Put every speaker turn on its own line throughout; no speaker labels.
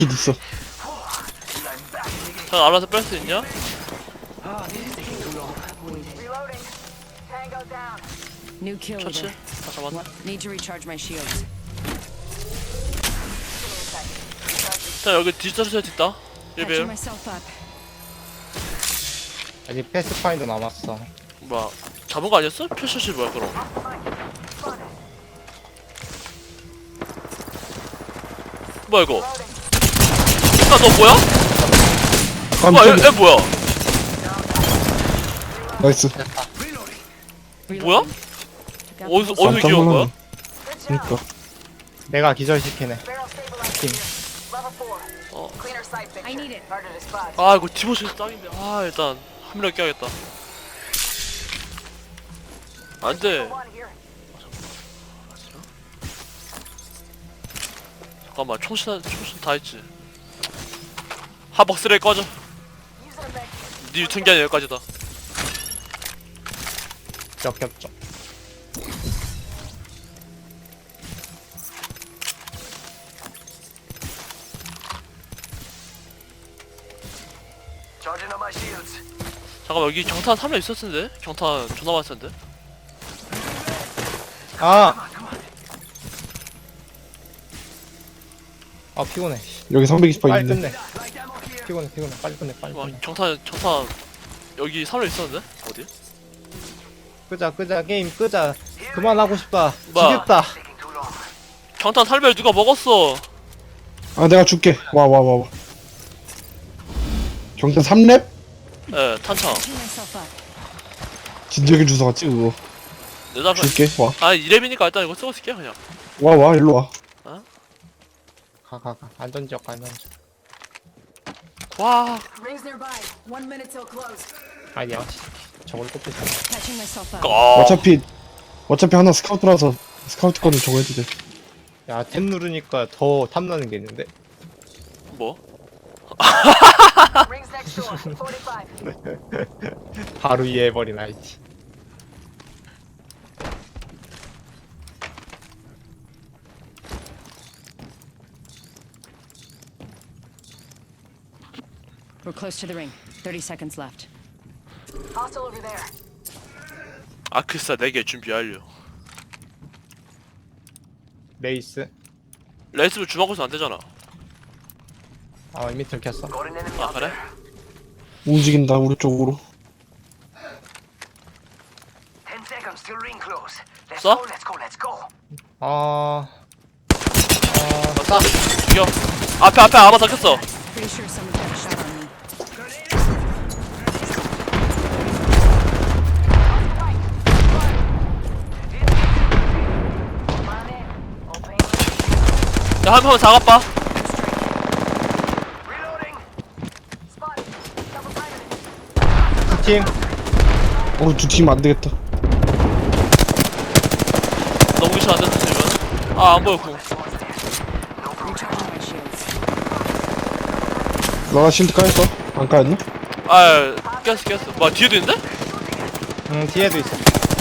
있어.
자, 알아서 뺄 수 있냐?
New kill
처치?
leader.
다 잡았네.
Need to recharge my shields.
자, 여기 디지털 세트 있다.
Patching
1배율.
myself up.
아직 패스파인더 남았어.
뭐야, 잡은 거 아니었어? 표시시 뭐야, 그럼? 뭐야, 이거? 아, 너 뭐야? 뭐야,
깜짝이야.
얘 뭐야?
나이스.
뭐야? 어디서 귀여운 거야?
그니까.
내가 기절시키네.
어.
I need it.
아, 이거 디보시 짱인데. 아, 일단 한 명 껴야겠다. 안 돼. 잠깐만, 총신 다 했지. 하벅스를 꺼져. 네 유통기한 여기까지다.
역겹죠.
잠깐만, 여기 경탄 3명 있었을 텐데? 경탄 존나 많았을 텐데?
아! 아 피곤해.
여기 320파
빨리
있네.
끝내. 피곤해. 빨리 끝내.
와, 경탄 여기 3명 있었는데? 어디?
끄자 게임 끄자. 그만하고 싶다.
뭐야?
지겹다.
경탄 살별 누가 먹었어?
아, 내가 줄게. 와. 경탄 3렙?
예, 탄창.
Patching myself up.
진작에 주워갔지, 그거.
내가
줄게. 와.
아, 2렙이니까 일단 이거 쓰고 있을게, 그냥.
와, 일로 와.
가. 안전지역 안전지역.
와,
Rings nearby. 1 minute till close.
아니야. 저걸 꼽고 있어.
Patching myself up.
어차피 하나 스카우트라서 스카우트 거는 저거 해도 돼.
야, 탭 누르니까 더 탐나는 게 있는데.
뭐?
바로 이해해버린 아이티.
We're close to the ring. 30 seconds left.
아크사 4개 준비 완료.
레이스.
레이스를 주먹으로서 안 되잖아.
아, 이미 들켰어.
아, 그래?
움직인다, 우리 쪽으로.
써?
싸.
죽여. 앞에 아마 닦였어.
Pretty sure someone got a shot on me.
야, 한 명 작업봐.
팀.
두 팀 안 되겠다.
너무 미쳐 안 됐어, 지금. 아, 안 보였고.
Recharging my shields.
너가 실드 까였어? 안 까였나?
아, 깼어. 뭐야, 뒤에도 있는데?
뒤에도 있어.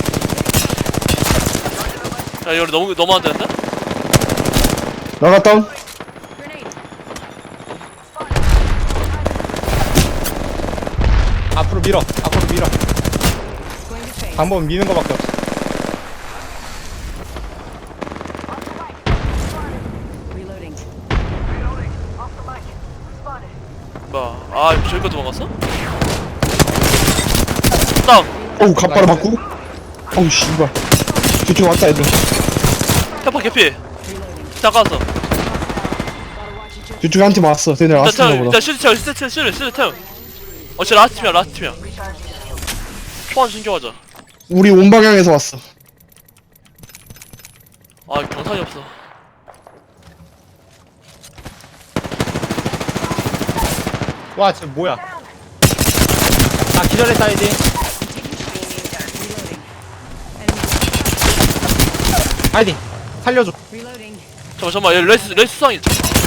야, 이거 너무 안 되는데?
나가 다운.
Grenade.
앞으로 밀어.
Going to face.
방법은 미는 거밖에 없어.
Reloading.
뭐야, 아, 저기가 도망갔어? 다운!
어우, 갑바를 맞고. 어우, 씨발. 뒤쪽 왔다, 애들.
페퍼 개피!
Reloading.
잠깐왔어.
뒤쪽에 한 팀 왔어. 쟤네 라스트인가 보다.
일단 실드 태워. 쟤 라스트 팀이야. 초안 신경하자.
우리 온 방향에서 왔어.
아, 경탄이 없어.
와, 쟤 뭐야? 나 기절했다, 이제.
Reloading. Enemy.
아이디, 살려줘.
Reloading.
잠깐만, 얘 레이스 수상이.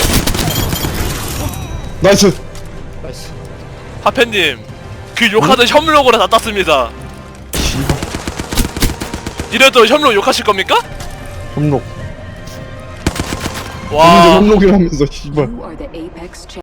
나이스.
나이스.
하페님, 그 욕하던 협력으로 다 땄습니다.
씨발.
이래도 협력 욕하실 겁니까?
점록.
와.
혼록이라면서 씨발.
You are the Apex champion.